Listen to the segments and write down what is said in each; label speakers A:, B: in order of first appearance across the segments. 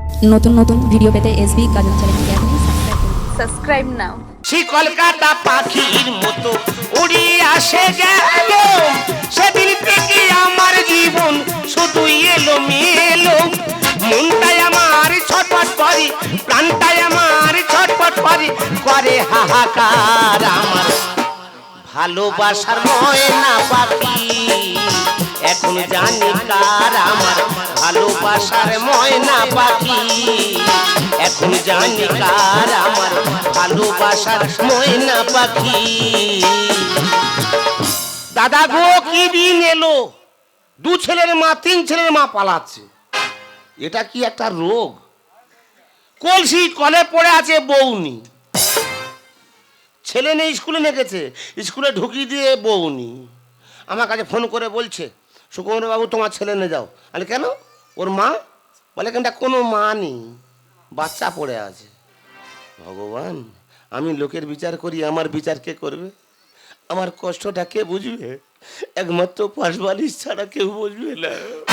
A: নতুন নতুন ভিডিও পেতে এসবি কাজল চ্যানেলকে আপনি
B: সাবস্ক্রাইব নাও।
C: সেই কলকাতা পাখির মতো উড়ে আসে গেল, সেদিন থেকে আমার জীবন শুধু এলো মেলো। মনটাই আমার ছটফট করে, প্রাণটাই আমার ছটফট করে, করে হাহাকার আমার ভালোবাসার ময়না পাখি। এখন জানি কার আমার ভালোবাসার ময়না পাখি, এখন জানি কার আমার ভালোবাসার ময়না পাখি। দাদা গো কি দিন এলো, দু ছেলের মা তিন ছেলের মা পালাচ্ছে, এটা কি একটা রোগ? কলসি কলে পড়ে আছে বউনি, ছেলে নেই স্কুলে নেগেছে, স্কুলে ঢুকিয়ে দিয়ে বউনি। আমার কাছে ফোন করে বলছে সুকুমার বাবু তোমার ছেলে নিয়ে যাও। আরে কেন? ওর মা বলে কেনটা কোনো মা নেই, বাচ্চা পড়ে আছে। ভগবান, আমি লোকের বিচার করি, আমার বিচার কে করবে? আমার কষ্টটা কে বুঝবে? একমাত্র পাশবালিশ ছাড়া কেউ বুঝবে না।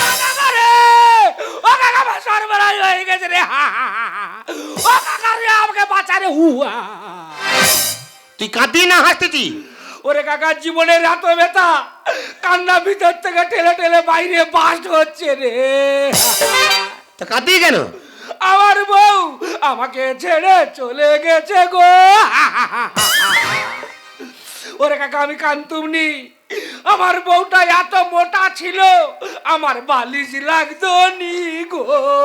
C: তুই কাঁদি না হাসতেছি?
D: ওরে কাকা, জীবনের এত ব্যথা, কান্না ভিতর থেকে ঠেলে ঠেলে বাইরে বাস্ট হচ্ছে রে।
C: তা কাঁদি কেন?
D: আমার বউ আমাকে ছেড়ে চলে গেছে গো। ওরে কাকা, আমি কান্তুমনি, আমার বউটা এত মোটা ছিল আমার বালিশ লাগতো নি গো।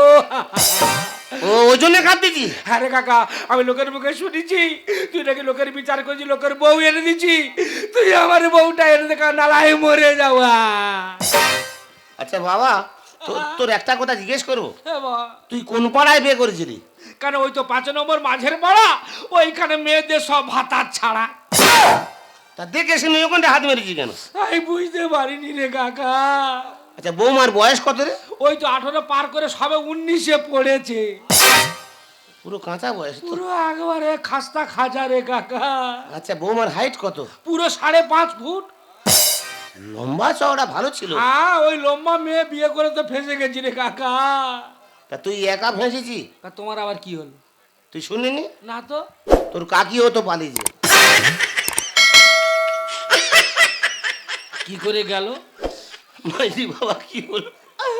C: ওই জন্য কাঁদতেছি?
D: হ্যাঁ রে কাকা, আমি লোকের মুখে শুনেছি তুই নাকি লোকের বিচার করছি, লোকের বউ এনে দিচ্ছি, তুই আমার বউটা এনে দেখা নালায় মরে যাওয়া।
C: আচ্ছা বাবা, তোর একটা কথা জিজ্ঞেস করবো, তুই কোন পাড়ায় বিয়ে করেছিলি?
D: কেন, ওই তো 5 নম্বর মাঝের পাড়া, ওইখানে মেয়েদের সব ভাতার ছাড়া।
C: তা দেখে শুনে ওখানে হাত মেরেছি কেন?
D: আমি বুঝতে পারিনি রে কাকা।
C: আচ্ছা বৌমার বয়স কত রে?
D: ওই তো 18 পার করে সবে 19-এ পড়েছে।
C: পুরো কাঁচা বয়স তো।
D: পুরো একবারে খাস্তা খাজা রে কাকা।
C: আচ্ছা বৌমার হাইট কত?
D: পুরো 5.5 ফুট।
C: লম্বা চওড়া ভালো ছিল।
D: হ্যাঁ, ওই লম্বা মেয়ে বিয়ে করে তো ফেঁসে গেছি রে কাকা।
C: তা তুই একা ফেঁসেছি?
D: তোমার আবার কি হলো?
C: তুই শুনিনি?
D: না তো।
C: তোর কাকিও তো পালিয়েছে।
D: কি করে গেল?
C: মাইরি বাবা কি হলো?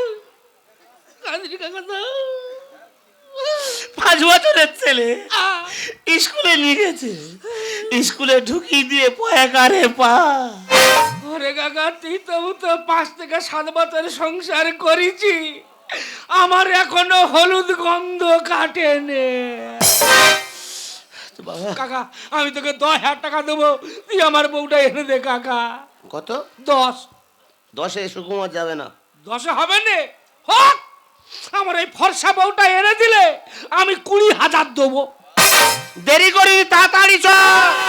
C: 5 বছরের ছেলে স্কুলে নিয়ে গেছে, স্কুলে ঢুকিয়ে দিয়ে পয়াকারে পা।
D: ওরে কাকা, তুই তো 5 থেকে 7 বছর সংসার করেছি, আমার এখনো হলুদ গন্ধ কাটেনে। কাকা, আমি তোকে 10,000 টাকা দেবো, তুই আমার বউটা এনে দে কাকা।
C: কত?
D: 10।
C: 10-এ সুকুমার যাবে না।
D: 10-এ হবে না? হোক, আমার এই ফর্সা বউটা এনে দিলে আমি 20,000 দেবো।
C: দেরি করি, তাড়াতাড়ি চল।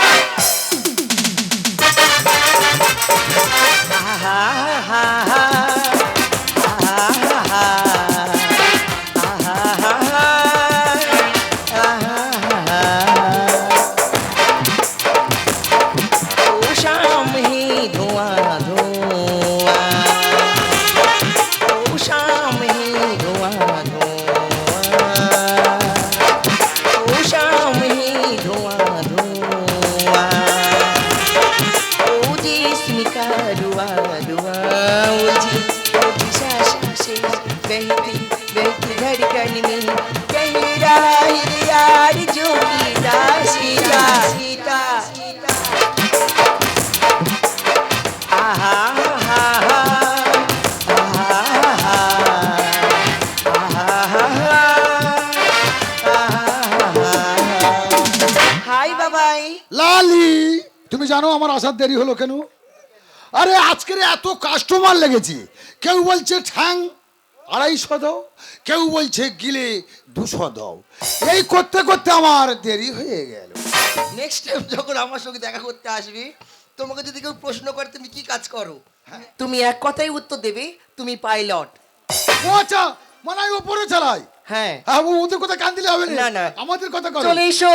E: তুমি জানো আমার আসার দেরি হলো কেন? আরে আজকের এত কাস্টমার লেগেছে, কেউ বলছে ঠ্যাং 250 দাও, কেউ বলছে গিলে 200 দাও, এই করতে করতে আমার দেরি হয়ে গেল।
F: নেক্সট টাইম যখন আমার সঙ্গে দেখা করতে আসবি, তোমাকে যদি কেউ প্রশ্ন করে তুমি কি কাজ করো, তুমি এক কথাই উত্তর দেবে, তুমি পাইলট।
E: ও আচ্ছা, মানে উপরে চালাই।
F: হ্যাঁ
E: হ্যাঁ, ওদের কথা কান দিলে হবে
F: না, না,
E: আমাদের কথা করো।
F: চলে এসো।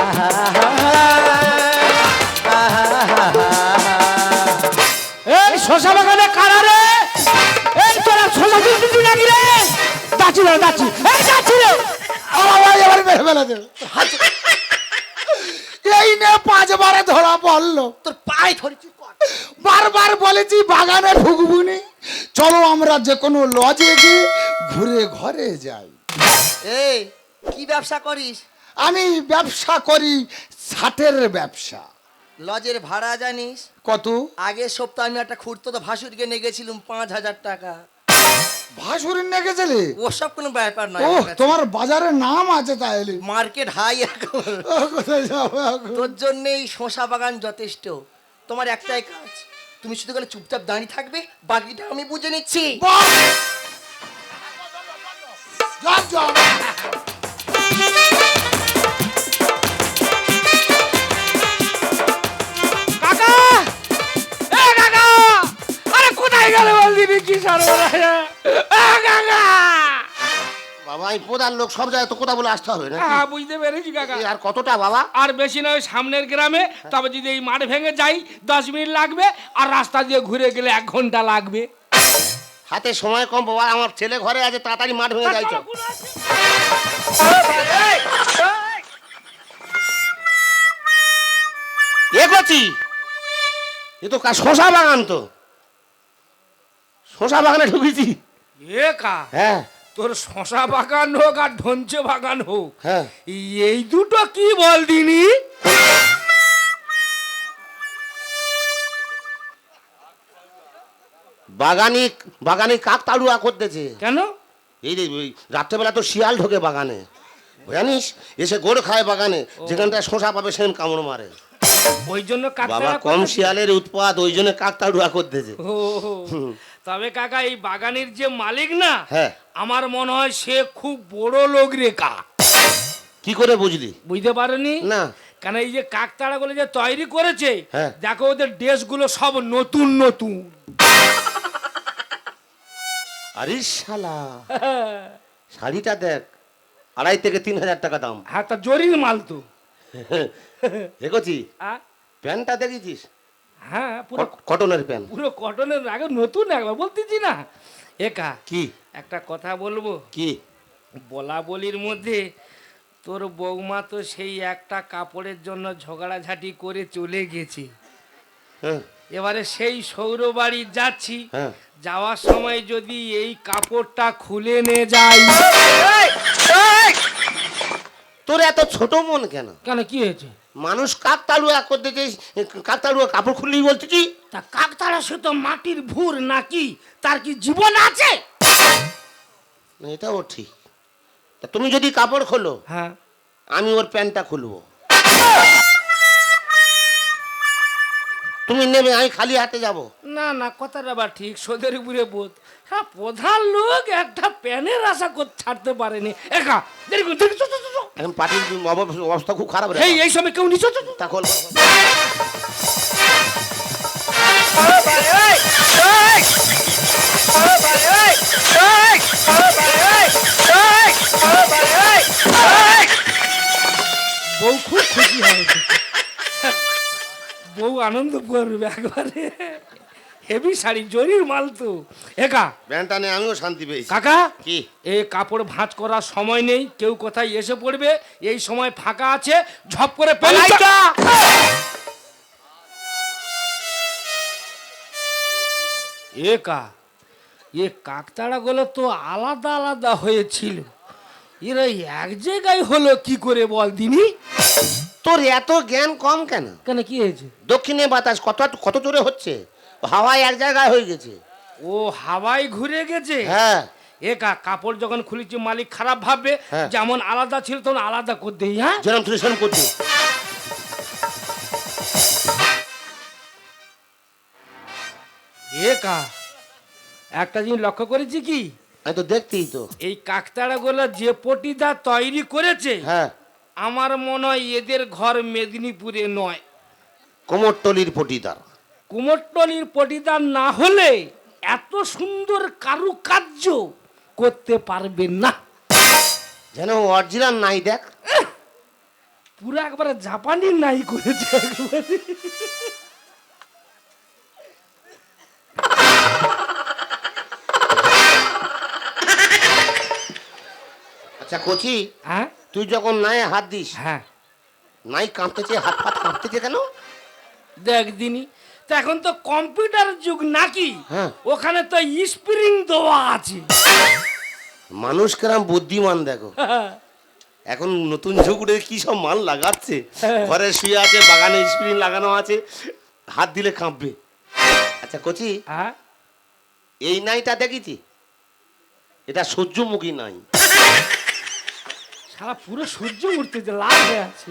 C: এই
D: শশা বাগানে কারা রে? এই তোরা শশা তুলতে নাকি রে? যাচ্ছি রে, যাচ্ছি, এই যাচ্ছি রে।
E: আমার ভাই এবার মেরে ফেলে দেবে। এই নে 5 বারে ধরা পড়লো।
F: তোর পায়ে ধরেছি কর।
E: বারবার বলেছি বাগানে ঢুকবুনি, চলো আমরা যে কোনো লজে গিয়ে ঘুরে ঘরে যাই।
F: এই কি ব্যবসা করিস?
E: আমি ব্যবসা করি ছাটের ব্যবসা।
F: লজের ভাড়া জানিস?
E: কত?
F: আগের সপ্তাহে আমি একটা খুঁড়তো তো ভাসুরকে নিয়ে গেছিলাম 5000 টাকা।
E: ভাসুরের নিয়ে গেছিলে?
F: ওসব কোনো ব্যাপার নয়
E: ও
F: আমার কাছে।
E: তোমার বাজারে নাম আছে তাহলে।
F: মার্কেট হাই এখন।
E: ও, কোথায় যাবো এখন?
F: তোর জন্যই শশা বাগান যথেষ্ট। তোমার একটাই কাজ, তুমি শুধু গেলে চুপচাপ দাঁড়িয়ে থাকবে, বাকিটা আমি বুঝে নিচ্ছি।
E: বাহ! যাও, যাও।
D: কাকা, এ কাকা, আরে কোথায় গেলে বল দিবি কি সর্বনাশ? কাকা,
C: বাবা আমি প্রধান লোক, সব জায়গায় তো কথা বলে আসতে হবে না।
D: হ্যাঁ বুঝতে পেরেছি কাকা।
C: আর কতটা বাবা?
D: আর বেশি নয়, সামনের গ্রামে, তবে যদি এই মাঠ ভেঙে যাই 10 মিনিট লাগবে, আর রাস্তা দিয়ে ঘুরে গেলে 1 ঘন্টা লাগবে।
C: হাতে সময় কম বাবা, আমার ছেলে ঘরে আছে, তাড়াতাড়ি মাঠ ভেঙে যাইছো। এ করছি, এ তো শশা বাগান, তো শশা বাগানে ঢুকেছি।
D: এ কা,
C: হ্যাঁ
D: তোর শশা বাগান হোক আর ধনচে বাগান হোক,
C: হ্যাঁ,
D: এই দুটো কি বল দিনি?
C: বাগানি বাগানি কাক তাড়ুয়া করতেছে।
D: কেন?
C: এই রে, ওই রাত্রেবেলা তো শিয়াল ঢোকে বাগানে, জানিস, এসে গোড় খায় বাগানে, যেখানটায় শশা পাবে সেখানে কামড় মারে।
D: ওই জন্য
C: বাবা
D: কাকতারা
C: কম
D: করতেছে।
C: শিয়ালের উৎপাত, ওই জন্য কাক তাড়ুয়া করতেছে।
D: ও, তবে কাকা এই বাগানের যে মালিক না,
C: হ্যাঁ।
D: আমার মনে হয় সে খুব বড় লোক রে কা।
C: কি করে বুঝলি?
D: বুঝতে পারেনি
C: না।
D: কেন এই যে কাকতাড়া গুলো যে তৈরি করেছে,
C: হ্যাঁ।
D: দেখো ওদের ড্রেসগুলো সব নতুন নতুন।
C: আরে শালা, শাড়িটা দেখ, 2.5 থেকে 3,000 টাকা দাম।
D: হ্যাঁ, তা জরির মাল তো।
C: দেখছি
D: আ?
C: প্যান্টটা দেখেছিস?
D: হ্যাঁ, পুরো
C: কটনের প্যান্ট।
D: পুরো কটনের, আগে নতুন একবার বলতেছি না। একা
C: কি?
D: একটা কথা বলবো,
C: কি?
D: বলা বলির মধ্যে তোর বৌমা তো সেই একটা কাপড়ের জন্য ঝগড়াঝাটি করে চলে গেছে।
C: হ্যাঁ
D: এবারে সেই সৌর বাড়ি যাচ্ছি,
C: হ্যাঁ।
D: যাওয়ার সময় যদি এই কাপড়টা খুলে নিয়ে যাই।
C: তোর এত ছোট মন কেন?
D: কেন, কি হয়েছে?
C: মানুষ কাক তাড়ুয়া করতেছে, কাক তাড়ুয়া কাপড় খুললেই বলতেছি।
D: তা কাকতাড়া সে তো মাটির ভুর নাকি, তার কি জীবন আছে?
C: এটাও ঠিক। তা তুমি যদি কাপড় খোলো,
D: হ্যাঁ,
C: আমি ওর প্যান্টটা খুলবো, তুমি নেবে, আমি খালি হাতে যাব।
D: না না, কথাটা আবার ঠিক, সোদের উপরে বোধ। হ্যাঁ, প্রধান লোক একটা প্যানের আশা করতে ছাড়তে পারেনি। একা দেরি করুন, দেরি, চো, চো, চো, চো।
C: এখন পার্টির অবস্থা খুব খারাপ রে।
D: এই সময় কেউ নিচো।
C: তা খোল।
D: বউ খুব খুশি হবে, বউ আনন্দ করবে একবারে। হেভি শাড়ি, জরির মাল তো। একা
C: প্যান্টটা নিয়ে আমিও শান্তি পেয়েছি।
D: কাকা,
C: কি?
D: এই কাপড় ভাঁজ করার সময় নেই, কেউ কোথায় এসে পড়বে, এই সময় ফাঁকা আছে, ঝপ করে পালাই। একা এ কাকতাড়া গুলো তো আলাদা আলাদা হয়েছিল, এরা এক জায়গায় হলো কি করে বল দিনি?
C: তোর এত জ্ঞান কম কেন?
D: কেন, কি হয়েছে?
C: দক্ষিণে বাতাস কত কত জোরে হচ্ছে, হাওয়ায় এক জায়গায় হয়ে গেছে।
D: ও হাওয়ায় ঘুরে গেছে।
C: হ্যাঁ।
D: একা কাপড় যখন খুলেছি মালিক খারাপ ভাববে,
C: হ্যাঁ।
D: যেমন আলাদা ছিল তখন আলাদা করে দেই। হ্যাঁ,
C: যেরকম তুই সেরকম করছি।
D: একা একটা জিনিস লক্ষ্য করেছি কি,
C: আমি তো দেখতেই তো।
D: এই কাকতাড়া গুলো যে পটিদা তৈরি করেছে,
C: হ্যাঁ,
D: আমার মনে হয় এদের ঘর মেদিনীপুরে নয়,
C: কোমরটলির পটিদার।
D: কুমোরটলির পটিদার না হলে এত সুন্দর কারুকার্য করতে পারবে না।
C: যেন অরিজিনাল নাই, দেখ
D: পুরো একবারে জাপানি নাই করেছে একবারে।
C: আচ্ছা কচি,
D: হ্যাঁ
C: তুই যখন নাই হাত দিস,
D: হ্যাঁ
C: নাই কাঁপতেছে, হাত ফাত কাঁপতেছে কেন?
D: দেখ দিনি, তো এখন তো কম্পিউটার যুগ নাকি,
C: হ্যাঁ।
D: ওখানে তো স্প্রিং দেওয়া আছে।
C: মানুষ কেরাম বুদ্ধিমান দেখো, এখন নতুন যুগ উঠে কি সব মাল লাগাচ্ছে। ঘরে শুয়ে আছে, বাগানে স্প্রিং লাগানো আছে, হাত দিলে কাঁপবে। আচ্ছা কচি,
D: হ্যাঁ
C: এই নাইটা দেখেছি, এটা সূর্যমুখী নাই।
D: সারা পুরো সূর্য উঠতেছে, লাল হয়ে আছে।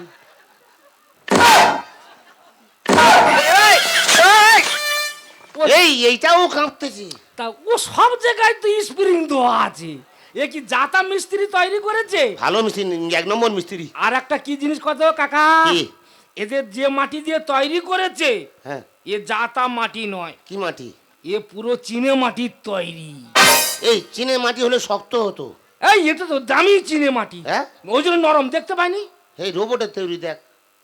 C: এইটাও কাঁপতেছে।
D: তা ও সব জায়গায় তো স্প্রিং দেওয়া আছে, এ কি জাতা মিস্ত্রি তৈরি করেছে?
C: ভালো মিস্ত্রি, 1 নম্বর মিস্ত্রি।
D: আর একটা কি জিনিস কত কাকা,
C: কি?
D: এদের যে মাটি দিয়ে তৈরি করেছে,
C: হ্যাঁ,
D: এ জাতা মাটি নয়,
C: কি মাটি?
D: এ পুরো চীনে মাটির তৈরি।
C: এই চীনের মাটি হলে শক্ত হতো।
D: এই এটা তো দামি চীনে মাটি,
C: হ্যাঁ,
D: ওই জন্য নরম দেখতে পাইনি।
C: এই রোবটের তৈরি দেখ।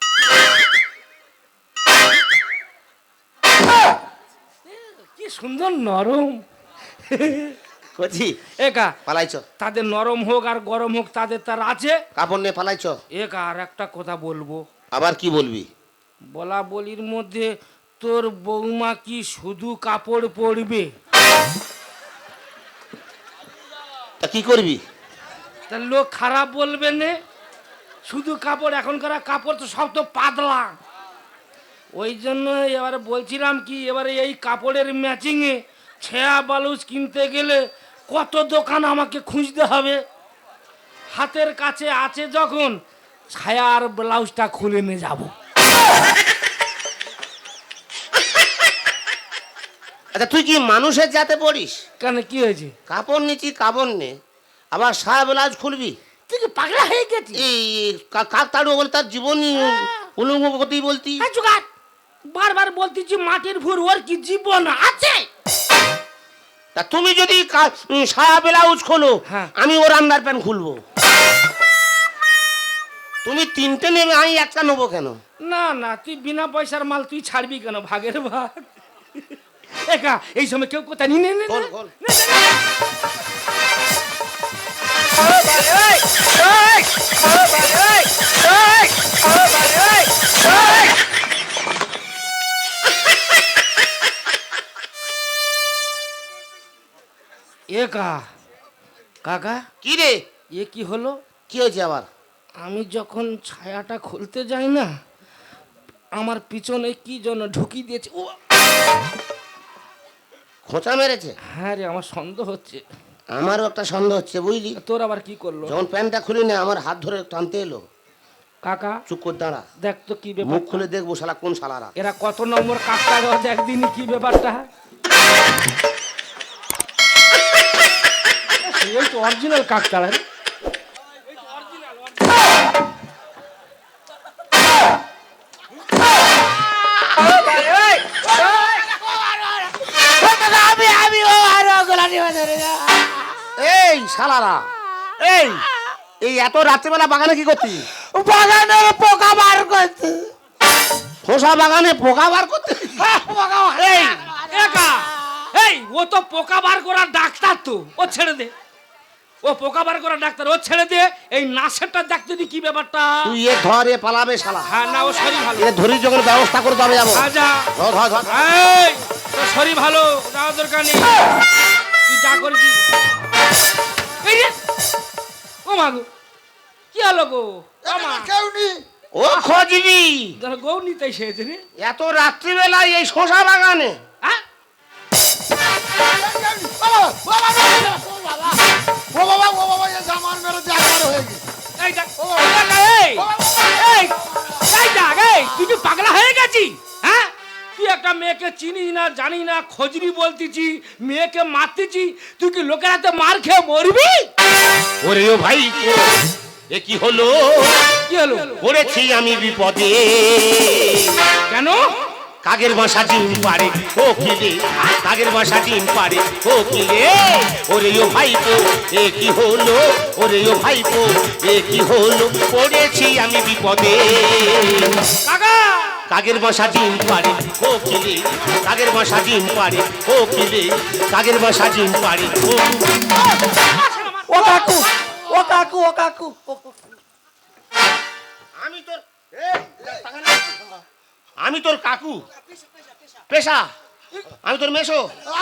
D: কি সুন্দর নরম।
C: কচি
D: একা
C: পালাইছ,
D: তাদের নরম হোক আর গরম হোক, তাদের তার আছে।
C: কাপড় নিয়ে পালাইছ।
D: একা আর একটা কথা বলবো,
C: আবার কি বলবি?
D: বলা বলির মধ্যে তোর বৌমা কি শুধু কাপড় পরবে?
C: তা কি করবি?
D: তা লোক খারাপ বলবে না, শুধু কাপড়, এখনকার কাপড় তো সব তো পাতলা। ওই জন্য এবারে বলছিলাম কি, এবারে এই কাপড়ের ম্যাচিংয়ে ছেঁড়া ব্লাউজ কিনতে গেলে কত দোকান আমাকে খুঁজতে হবে। হাতের কাছে আছে যখন, ছায়া আর ব্লাউজটা খুলে নিয়ে যাব।
C: আচ্ছা তুই কি মানুষের জাতে পড়িস?
D: কেন কি হয়েছে?
C: কাপড় নিচ্ছি, কাপড় নে, আবার সায়া ব্লাউজ খুলবি?
D: তুই কি পাগলা হয়ে গেছিস?
C: এই কাক তাড়ু বলে তার জীবনই উলঙ্গ গতি বলতি।
D: হ্যাঁ জোগাড়, বারবার বলতেছি মাটির ভুর, ওর কি জীবন আছে?
C: তা তুমি যদি সায়া ব্লাউজ খোলো,
D: হ্যাঁ।
C: আমি ওর আন্ডার প্যান্ট খুলবো। তুমি 3টে নেবে, আমি 1টা নেবো কেন?
D: না না, তুই বিনা পয়সার মাল তুই ছাড়বি কেন? ভাগের ভাগ। একা এই সময় কেউ কোথায় নিয়ে নে, নে, নে,
C: খোল, খোল।
D: নে, নে, নে। একা কাকা,
C: কি রে?
D: এ কি হলো?
C: কি হয়েছে আবার?
D: আমি যখন ছায়াটা খুলতে যাই না, আমার পিছনে কি যেন ঢুকিয়ে দিয়েছে। ও
C: খোঁচা মেরেছে?
D: হ্যাঁ রে, আমার সন্দেহ হচ্ছে।
C: আমারও একটা সন্দেহ হচ্ছে, বুঝলি।
D: তোর আবার কি করলো?
C: যখন প্যান্টটা খুলি না, আমার হাত ধরে টানতে এলো।
D: কাকা
C: চুপ করে দাঁড়া,
D: দেখ তো কি ব্যাপার,
C: মুখ খুলে দেখবো শালা কোন শালারা।
D: এরা কত নম্বর কাকটা রোজ একদিনই, কি ব্যাপারটা? এই তো অরিজিনাল কাকতাড়া রে।
C: এই শালারা, এই এই এত রাত্রেবেলা বাগানে কি করতি?
D: বাগানের পোকা বার করতে।
C: খোসা বাগানে পোকা বার করতে?
D: এই একা, এই ও তো পোকা বার করার ডাক্তার, তো ও ছেড়ে দে। ও পোকা বার করার ডাক্তার, ও ছেড়ে দে। এই নাসেরটা দেখতে দি কি ব্যাপারটা।
C: তুই এ ধর, এ পালাবে শালা।
D: হ্যাঁ না, ও শরীর ভালো।
C: এ ধরি যখন ব্যবস্থা করে তবে যাবো।
D: আজা
C: ধর ধর ধর।
D: এই তোর শরীর ভালো, যাওয়ার দরকার নেই, তুই যা করবি। এই রে, ও মা গো, কি হলো গো? আমা
E: কেউ নেই।
C: ও খোঁজবি
D: গৌ নিতে এসেছে রে।
C: এত রাত্রিবেলায় এই শশা বাগানে?
D: হ্যাঁ
E: ও বাবা ও বাবা, এ জামান মেরে জাগার হয়ে গেছে।
D: এই দেখ, এই এই এই দেখ, এই তুই কি পাগলা হয়ে গেছিস? হ্যাঁ, তুই একটা মেয়েকে চিনিস না, জানি না, খোঁজনি বলতেছি, মেয়েকে মারতেছি, তুই কি লোকের হাতে মার খেয়ে মরবি?
C: ওরে ও ভাই, এ কি হলো?
D: কি হলো?
C: পড়েছি আমি বিপদে।
D: কেন?
C: কাগের বাসা ডিম পারে ও কিলে, কাগের বাসা ডিম পারে ও কিলে। ওরে ও ভাইপো, এ কি হলো? ওরে ও ভাইপো, এ কি হলো? পড়েছি আমি বিপদে।
D: কাকা
C: কাগের বাসা ডিম পারে ও কিলে, কাগের বাসা ডিম পারে ও কিলে, কাগের বাসা ডিম পারে ও।
F: ও কাকু, ও কাকু ও কাকু
C: আমি তোর আমি তোর কাকু পেশা আমি তোর মেশো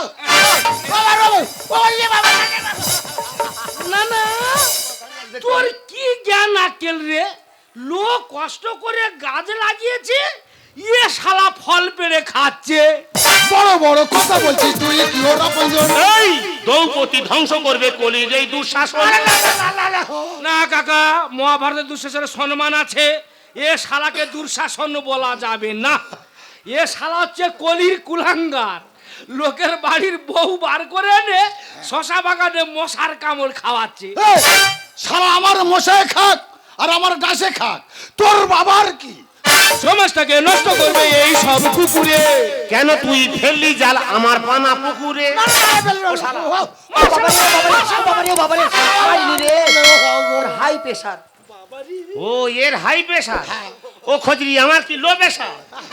D: না না তোর কি জ্ঞান আকেল রে, লোক কষ্ট করে গাছ লাগিয়েছে, ইয়ে শালা ফল পেড়ে খাচ্ছে।
E: বড় বড় কথা বলছিস তুই, কি ওর আপনজন?
C: এই দ্রৌপদী ধ্বংস করবে কলির এই দুঃশাসন।
D: না কাকা, মহাভারতের দুঃশাসনের সম্মান আছে, এ শালাকে দুঃশাসন বলা যাবে না। এ শালা হচ্ছে কলির কুলাঙ্গার, লোকের বাড়ির বউ বার করে এনে শশা বাগানে মশার কামড় খাওয়াচ্ছে।
E: এই, শালা আমার মশায় খাক আর আমার ডাসে খাক, তোর বাবার কি?
D: সমাজটাকে নষ্ট করবে এই সব কুকুরে।
C: কেন তুই ফেললি জাল আমার পানা পুকুরে?
F: High pressure.
C: ও এর হাই প্রেশার, ও খজরি আমার কি লো প্রেশার,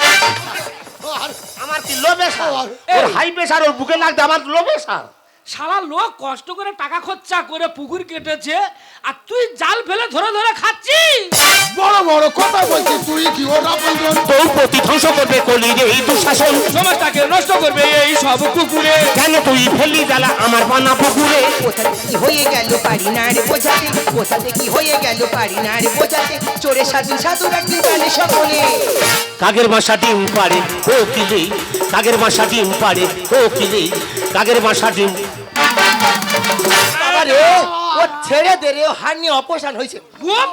C: আমার কি লো প্রেশার, ওর হাই প্রেশার ওর বুকে লাগবে, আমার লো প্রেশার।
D: শালা লোক কষ্ট করে টাকা খরচা করে পুকুর কেটেছে, আর তুই জাল ফেলে ধরে ধরে খাচ্ছিস।
E: বড় বড় কথা বলছিস তুই, কি ওর আপনজন?
C: দ্রৌপদী ধ্বংস করবে কলির এই দুঃশাসন।
D: সমাজটাকে নষ্ট করবে এই সব কুকুরে।
C: কেন তুই ফেললি জ্বালা আমার পানা পুকুরে?
F: কোথাতে কি হয়ে গেল পারি না রে বোঝাতে, কোথাতে কি হয়ে গেল পারি না রে বোঝাতে, চোরে সাধু সাধু রাখতে জানে সকলে।
C: কাগের বাসা ডিম পাড়ে ও কিলে, কাগের বাসা ডিম পাড়ে ও কিলে, কাগের বাসা ডিম।
F: বাবা রে, ও ছেড়ে দে রে, ও হার নিয়ে অপসারণ হয়েছে।
D: গুপ!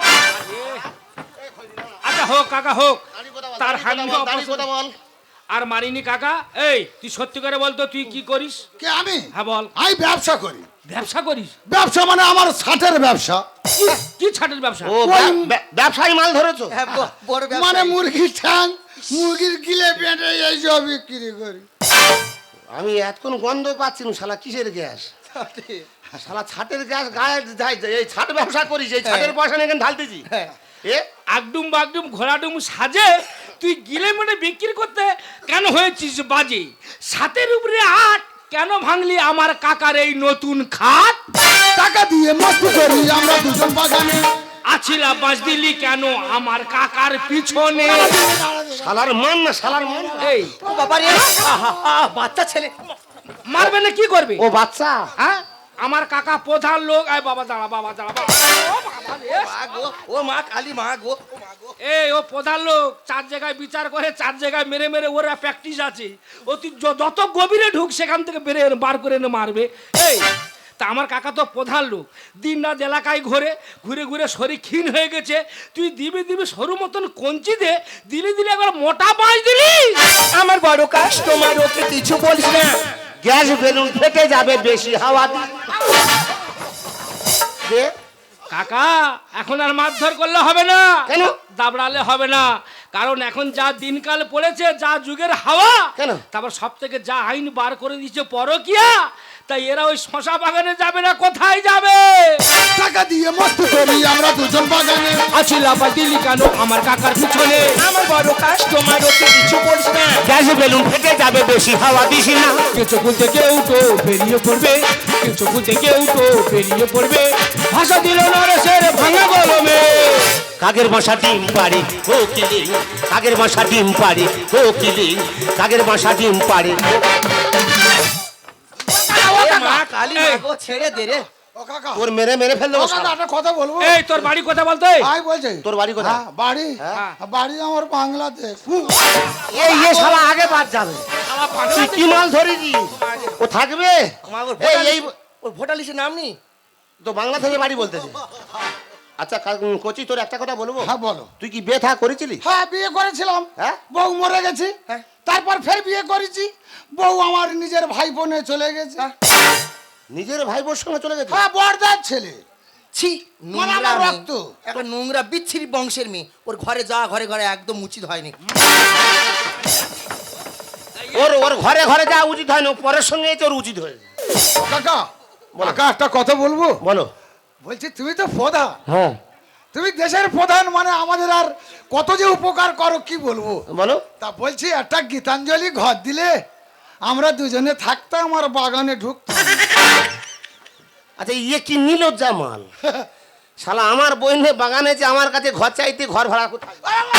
D: আচ্ছা হোক কাকা হোক, তার হানি
C: কথা বল।
D: আর মারিনি কাকা। এই তুই সত্যি করে বলতো তুই কি করিস?
E: কে আমি?
D: হ্যাঁ বল।
E: আমি ব্যবসা করি।
D: ব্যবসা করিস?
E: ব্যবসা মানে আমার ছাটের ব্যবসা।
D: কি ছাটের ব্যবসা?
C: ও ব্যবসায়ী মাল ধরেছো?
F: হ্যাঁ, বড় ব্যবসা।
E: মানে মুরগির ঠ্যাং, মুরগির গিলে পেটে এইসব বিক্রি করি।
C: আমি এতক্ষণ গন্ধ পাচ্ছি না, শালা কিসের গ্যাস? শালা ছাটের গ্যাস গায়ে যায়, এই ছাট ব্যবসা করিস, এই ছাটের পয়সা নিয়ে এখানে ঢালতেছি। এ
D: আগডুম বাগডুম ঘোড়াডুম সাজে তুই গিলে মেটে বিক্রি করতে কেন হয়েছিস বাজে? সাতের উপরে আট কেন ভাঙলি আমার কাকার এই নতুন খাট?
E: টাকা দিয়ে মস্ত করি আমরা দুজন বাগানে।
D: আছিলা বাজ দিলি কেন আমার কাকার পিছনে?
C: শালার মান না, শালার মান।
D: এই
F: ও বাবা রে, বাচ্চা ছেলে।
D: মারবে না কি করবে?
C: ও বাচ্চা,
D: হ্যাঁ আমার কাকা প্রধান লোক। আয় বাবা দাঁড়া, বাবা দাঁড়া, বাবা। ও বাবা রে।
F: মা গো, ও মা কালী, মা গো, ও মা গো।
D: এই ও প্রধান লোক, 4 জায়গায় বিচার করে, 4 জায়গায় মেরে মেরে ওরা প্র্যাকটিস আছে। ও তুই যত গভীরে ঢুক সেখান থেকে বার করে এনে মারবে। এই তা আমার কাকা তো প্রধান লোক, দিন রাত এলাকায় ঘুরে ঘুরে ঘুরে শরীর ক্ষীণ হয়ে গেছে। তুই দিবি দিবি সরু মতন কঞ্চি দে, দিলি দিলি একবার মোটা পাঁচ দিলি।
F: আমার বড় কাস্টমার, ওকে কিছু বলিস না।
C: গ্যাস বেলুন ফেটে যাবে বেশি হাওয়া দে।
D: কাকা এখন আর মারধর করলে হবে না,
C: কেন?
D: দাবড়ালে হবে না, কারণ এখন যা দিনকাল পড়েছে, যা যুগের হাওয়া,
C: কেন?
D: তারপর সব থেকে যা আইন বার করে দিচ্ছে পরকিয়া, তাই এরা ওই শশা বাগানে যাবে না, কোথায় যাবে?
E: টাকা দিয়ে মস্ত করি আমরা দুজন বাগানে।
D: আছি লাফা দিলি কেন আমার কাকার পিছনে?
F: আমার বড় কাস্টমার, ওকে কিছু বলিস না।
C: গ্যাস বেলুন ফেটে যাবে বেশি হাওয়া দিস না।
D: কিছু খুলতে কেউ তো বেরিয়ে পড়বে, কিছু খুলতে কেউ তো বেরিয়ে পড়বে, ভাষা দিল নরেশের ভাঙা গলমে।
C: কাগের বাসা ডিম পাড়ে ও কিলে, কাগের বাসা ডিম পাড়ে ও কিলে, কাগের বাসা ডিম পাড়ে।
F: এ মা কালী, মা গো, ছেড়ে দে রে।
E: ও কাকা,
C: ওর মেরে মেরে ফেললো
E: ও কাকা, একটা কথা বলবো?
D: এই তোর বাড়ি কথা বলতে?
E: ভাই বলছে
C: তোর বাড়ি কোথায়?
E: হ্যাঁ, বাড়ি
D: হ্যাঁ।
E: বাড়ি আমার বাংলাদেশ।
C: এই এ শালা আগে বাদ যাবে। তুই কি মাল ধরেছি? ও থাকবে?
F: মা গো,
C: এই এই
F: ওর ভোটার লিস্টের নাম নেই।
C: তো বাংলা থেকে বাড়ি বলতেছে। আচ্ছা কোচি, তোর একটা কথা বলবো?
E: হ্যাঁ বলো।
C: তুই কি বিয়ে থা করেছিলি?
E: হ্যাঁ বিয়ে করেছিলাম,
C: হ্যাঁ?
E: বউ মরে গেছে,
F: হ্যাঁ।
E: তারপর ফের বিয়ে করেছি, বউ আমার নিজের ভাই বোনে চলে গেছে।
C: নিজের ভাই বোর সঙ্গে চলে গেছে?
E: হ্যাঁ, বড়দার ছেলে।
F: ছি,
E: মানে
F: নোংরা
E: আমার
F: মেয়ে।
E: রক্ত।
F: একটা নোংরা বিচ্ছিরি বংশের মেয়ে, ওর ঘরে যা, ঘরে ঘরে একদম উচিত হয়নি।
C: ওর ওর ঘরে ঘরে যা উচিত হয় না, পরের সঙ্গে তোর উচিত হয়েছে।
E: কাকা, কাকা একটা কথা বলবো?
C: বলো।
E: বলছি তুমি তো প্রধান,
C: হ্যাঁ
E: তুমি দেশের প্রধান, মানে আমাদের আর কত যে উপকার করো কি বলবো।
C: বলো।
E: তা বলছি একটা গীতাঞ্জলি ঘর দিলে আমরা দুজনে থাকতাম আর বাগানে ঢুকতাম।
C: আচ্ছা ইয়ে কি নিলজ্জা মাল, শালা আমার বইনে বাগানে যে আমার কাছে ঘর চাইতে ঘর ভাড়া কোথায়?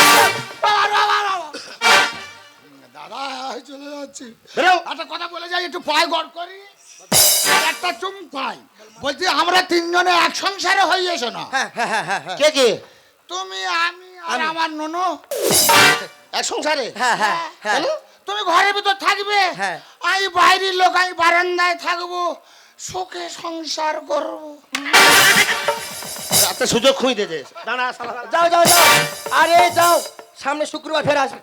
E: দাদা চলে যাচ্ছি।
C: বেরো।
E: একটা কথা বলে যাই, একটু পায়ে গড় করি, একটা চুম পাই। বলছি আমরা তিনজনে এক সংসারে হয়ে এসো না।
F: হ্যাঁ হ্যাঁ হ্যাঁ হ্যাঁ হ্যাঁ
C: কে কে?
E: তুমি, আমি আর আমার ননু।
C: এক সংসারে?
F: হ্যাঁ হ্যাঁ হ্যাঁ
C: কেন?
E: তুমি ঘরের ভিতর থাকবে,
F: হ্যাঁ।
E: আমি বাইরের লোক, আমি বারান্দায় থাকবো, সুখে সংসার করবো।
C: রাতে সুযোগ খুঁজতে দে। দাঁড়া শালা।
F: যাও যাও যাও, আরে যাও, সামনে শুক্রবার ফের আসবে।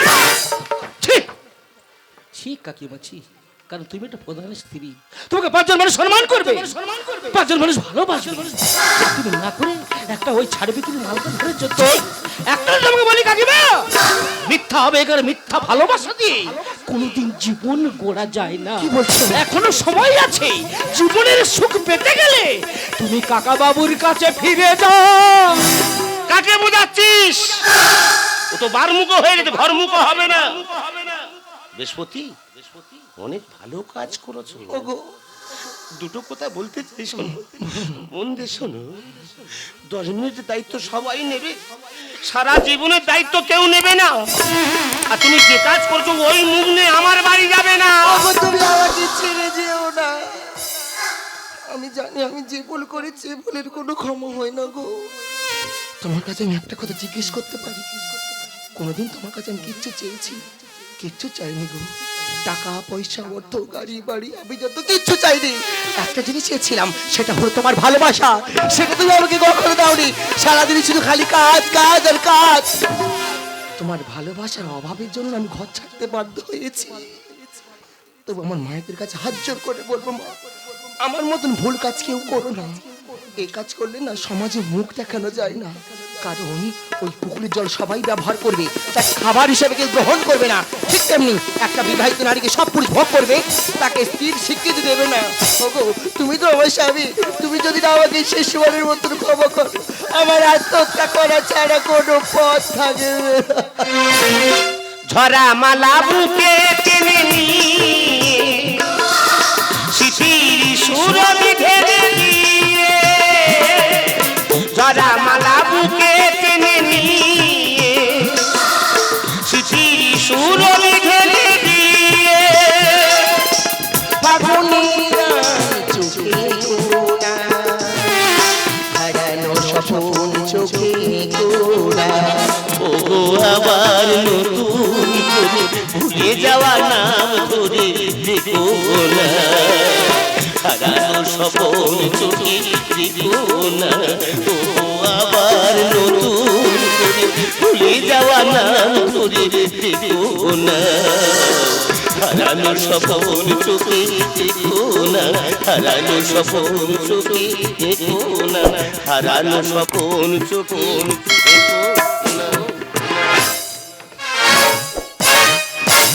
D: ঠিক কাকিমা ছি, কারণ তুমি একটা প্রধানের স্ত্রী, তোমাকে পাঁচজন মানুষ সম্মান করবে, পাঁচজন মানুষ ভালোবাসবে। তুমি না করে একটা ওই ছাড় বিক্রি মালকে ধরে চলছ। একটা তোমাকে বলি কাকিমা, মিথ্যা হবে এখানে, মিথ্যা ভালোবাসা দিয়ে কোনোদিন জীবন গড়া যায় না। কি বলছো? এখনো সময় আছে, জীবনের সুখ পেতে গেলে তুমি কাকা বাবুর কাছে ফিরে যাও।
C: কাকে বোঝাচ্ছিস? ও তো বারমুখ হয়ে গেছে, ঘরমুখ হবে না। বৃহস্পতি, অনেক ভালো কাজ করেছো। দুটো কথা বলতে চাই, শোনো, মন দিয়ে শোনো। 10 মিনিটের দায়িত্ব সবাই নেবে, সারা জীবনের দায়িত্ব কেউ নেবে না। আর তুমি যে কাজ করছো ওই মুখ নিয়ে আমার বাড়ি যাবে না।
F: তুমি আমাকে ছেড়ে যেও না। আমি জানি আমি যে ভুল করেছি, ভুলের কোনো ক্ষমা হয় না গো। তোমার কাছে আমি একটা কথা জিজ্ঞেস করতে পারি? কোনোদিন তোমার কাছে আমি কিচ্ছু চেয়েছি? কিচ্ছু চাইনি গো। টাকা পয়সা, অর্থ, গাড়ি বাড়ি, আমি যত কিচ্ছু চাইনি। একটা জিনিস চেয়েছিলাম, সেটা হলো তোমার ভালোবাসা। সেটা তুমি আমাকে কখনো দাওনি। সারাদিন শুধু খালি কাজ কাজ আর কাজ। তোমার ভালোবাসার অভাবের জন্য আমি ঘর ছাড়তে বাধ্য হয়েছি। তবু আমার মায়েদের কাছে হাত জোর করে বলবো, মা, আমার মতন ভুল কাজ কেউ করো না। এই কাজ করলে না সমাজে মুখ দেখানো যায় না। কারণ ওই পুকুরের জল সবাই ব্যবহার করবে, তার খাবার হিসেবে কেউ গ্রহণ করবে না। ঠিক তেমনি একটা বিবাহিত নারীকে সব পুরুষ ভোগ করবে, তাকে স্ত্রীর স্বীকৃতি দেবে না। ওগো, তুমি তো আমার স্বামী, তুমি যদি না আমাকে শেষবারের মতন ক্ষমা করো, আমার আত্মহত্যা করা ছাড়া কোনো পথ থাকবে না।
C: ঝরা মালা বুকে টেনে নিয়ে শিশির সুরভি ঢেলে দিয়ে, ঝরা মালা বুকে টেনে নিয়ে শিশির সুরভি ঢেলে দিয়ে,
F: ফাগুনিরা চোখে গোড়া, হারানো স্বপন চোখে গোড়া।
C: ও আবার নতুন করে ভুলে যাওয়া নাম ধরে দেখো না, হারানো স্বপন চোখে দেখো না। ও আবার নতুন করে ভুলে যাওয়া নাম ধরে দেখো না, হারানো স্বপন চোখে দেখো না, হারানো স্বপন চোখে দেখো না, হারানো স্বপন চোখে দেখো।